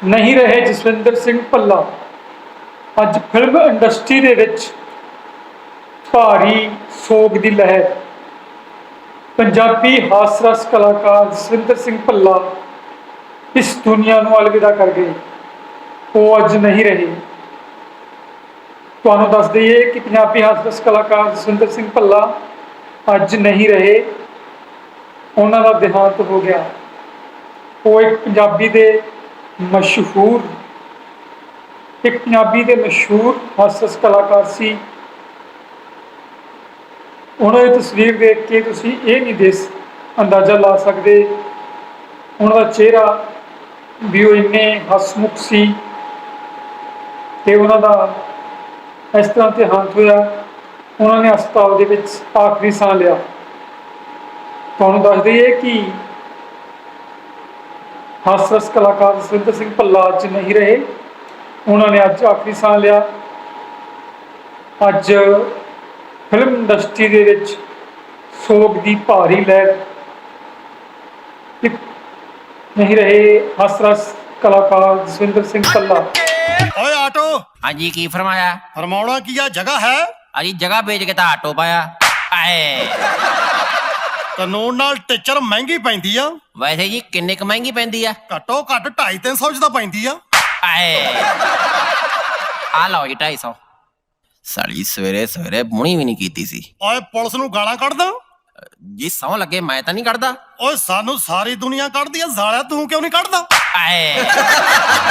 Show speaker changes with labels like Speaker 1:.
Speaker 1: ਨਹੀਂ ਰਹੇ ਜਸਵਿੰਦਰ ਸਿੰਘ ਭੱਲਾ। ਅੱਜ ਫਿਲਮ ਇੰਡਸਟਰੀ ਦੇ ਵਿੱਚ ਭਾਰੀ ਸੋਗ ਦੀ ਲਹਿਰ। ਪੰਜਾਬੀ ਹਾਸ ਰਸ ਕਲਾਕਾਰ ਜਸਵਿੰਦਰ ਸਿੰਘ ਭੱਲਾ ਇਸ ਦੁਨੀਆ ਨੂੰ ਅਲਵਿਦਾ ਕਰ ਗਏ। ਉਹ ਅੱਜ ਨਹੀਂ ਰਹੇ। ਤੁਹਾਨੂੰ ਦੱਸ ਦਈਏ ਕਿ ਪੰਜਾਬੀ ਹਾਸ ਰਸ ਕਲਾਕਾਰ ਜਸਵਿੰਦਰ ਸਿੰਘ ਭੱਲਾ ਅੱਜ ਨਹੀਂ ਰਹੇ। ਉਹਨਾਂ ਦਾ ਦੇਹਾਂਤ ਹੋ ਗਿਆ। ਉਹ ਇੱਕ ਪੰਜਾਬੀ ਦੇ ਮਸ਼ਹੂਰ ਹਾਸ ਰਸ ਕਲਾਕਾਰ ਸੀ। ਉਹਨਾਂ ਦੀ ਤਸਵੀਰ ਦੇਖ ਕੇ ਤੁਸੀਂ ਇਹ ਨਹੀਂ ਅੰਦਾਜ਼ਾ ਲਾ ਸਕਦੇ ਉਹਨਾਂ ਦਾ ਚਿਹਰਾ ਵੀ ਉਹ ਇੰਨੇ ਹਸਮੁਖ ਸੀ। ਤੇ ਉਹਨਾਂ ਦਾ ਇਸ ਤਰ੍ਹਾਂ ਦੇਹਾਂਤ ਹੋਇਆ। ਉਹਨਾਂ ਨੇ ਹਸਪਤਾਲ ਦੇ ਵਿੱਚ ਆਖਰੀ ਸਾਹ ਲਿਆ। ਤੁਹਾਨੂੰ ਦੱਸ ਦਈਏ ਕਿ ਹਾਸ ਰਸ ਕਲਾਕਾਰ ਜਸਵਿੰਦਰ ਸਿੰਘ ਭੱਲਾ ਅੱਜ ਨਹੀਂ ਰਹੇ। ਉਹਨਾਂ ਨੇ ਅੱਜ ਆਖਰੀ ਸਾਹ ਲਿਆ। ਅੱਜ ਫਿਲਮ ਇੰਡਸਟਰੀ ਦੇ ਵਿੱਚ ਸੋਗ ਦੀ ਭਾਰੀ ਲਹਿਰ। ਨਹੀਂ ਰਹੇ ਹਾਸ ਰਸ ਕਲਾਕਾਰ ਜਸਵਿੰਦਰ ਸਿੰਘ ਭੱਲਾ।
Speaker 2: ਓਏ ਆਟੋ।
Speaker 3: ਹਾਂਜੀ ਕੀ ਫਰਮਾਇਆ?
Speaker 2: ਫਰਮਾਉਣਾ ਕੀ ਆ, ਜਗ੍ਹਾ ਹੈ?
Speaker 3: ਅਜੀ ਜਗ੍ਹਾ ਵੇਚ ਕੇ ਤਾਂ ਆਟੋ ਪਾਇਆ। ਆਏ
Speaker 2: ਕਾਨੂੰਨ ਨਾਲ ਟੀਚਰ ਮਹਿੰਗੀ ਪੈਂਦੀ ਆ।
Speaker 3: ਵੈਸੇ ਜੀ ਕਿੰਨੇ ਕੁ ਮਹਿੰਗੀ ਪੈਂਦੀ ਆ?
Speaker 2: ਘੱਟੋ ਘੱਟ 250-300 ਚ ਤਾਂ ਪੈਂਦੀ ਆ।
Speaker 3: ਆਏ ਆ ਲਓ ਜੀ 250। ਸਾਲੀ ਸਵੇਰੇ ਸਵੇਰੇ ਮੁਣੀ ਵੀ ਨਹੀਂ ਕੀਤੀ ਸੀ।
Speaker 2: ਓਏ ਪੁਲਿਸ ਨੂੰ ਗਾਲਾਂ ਕੱਢਦਾ?
Speaker 3: ਜੀ ਸਹੁੰ ਲੱਗੇ ਮੈਂ ਤਾਂ ਨਹੀਂ ਕੱਢਦਾ।
Speaker 2: ਓਏ ਸਾਨੂੰ ਸਾਰੀ ਦੁਨੀਆ ਕੱਢਦੀ ਆ, ਸਾਲਿਆ ਤੂੰ ਕਿਉਂ ਨਹੀਂ ਕੱਢਦਾ?
Speaker 3: ਆਏ